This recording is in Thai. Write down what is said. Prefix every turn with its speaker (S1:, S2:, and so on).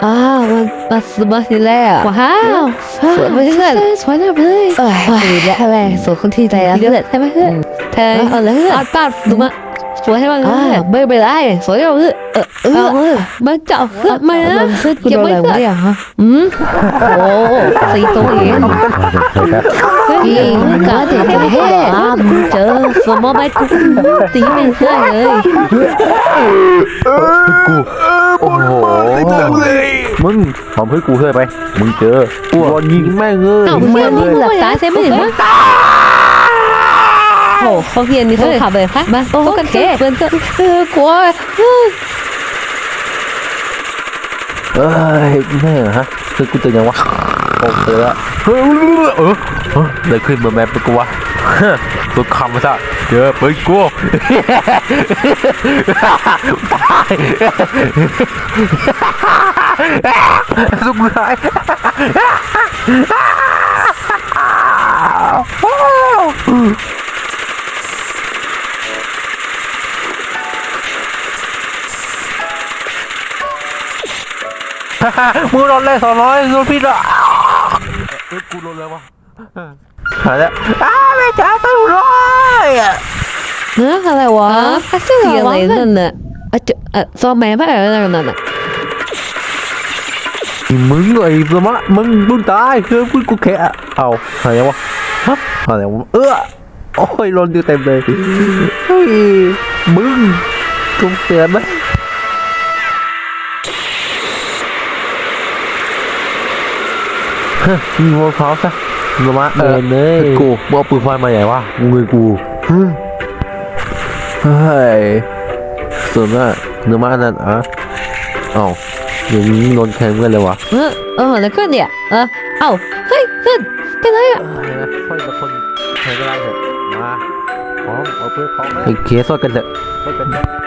S1: มาทีแรกว้าวสวยเพื่อนสวยเลยดีแล้วแม่สวยคนที่ใจแล้วเพื่อนใช่ไหมเพื่อนเธอเอาเลยป้าดูมาสวยให้มันไม่เป็นไรสวยเอาเพื่อนมาเจาะเพื่อนมาเพื่อนกูโดนอะไรวะเนี่ยฮะโอ้สีตัวเองพี่กาเด็กเฮ้เจอสมมติไม่กูตีไม่ได้เลย
S2: กูโอ้โหมึงทำให้กูเคยไปมึงเจอกูโดนยิงแม่งเลย
S1: ยิงแม่งเลยหลับตาใช่ไหมเห็นไหมโอ้เขาเพียนนี่เขาขับเลยค่ะมาโอ้กันเทเพื่อนก็กลัว
S2: เอ้ยแม่ฮะคือกูเจอยังวะโอเคแล้วเลยขึ้นมาแม่เป็นกูวะตัวคำซะเจอไปกูตายสุดท้ายมึงโดนเลย200โดนพี่ละกูโดนเลยวะหายแล้วไม่จ่ายตัวเลย
S1: อะไรวะเสียอะไรนั่นน่ะซ้อมแม่บ้าอะไรนั่นน่ะ
S2: มึงไอ้สมะมึงตายคือกูแค่เอาอะไรวะฮะอะไรวะโอ้ยโดนอยู่เต็มเลยเฮ้ยมึงกูเสียไหมมีโมพร้อมซะสมะเดินเลยกูเอาปืนไฟมาใหญ่วะมึงกูเฮ้ยส่วนว่าเนื้อมานั่นเอ้าอย่างนี้โดนแทงกันเลยวะ
S1: แล้วก็เนี่ยเอ้าเฮ้ยขึ้นเป็นไรอ่ะ
S2: ค่อยละคนแทงก็ได้เถอะมาพร้อมเอาเพื่อนพร้อมไหมเคสกันเถอะ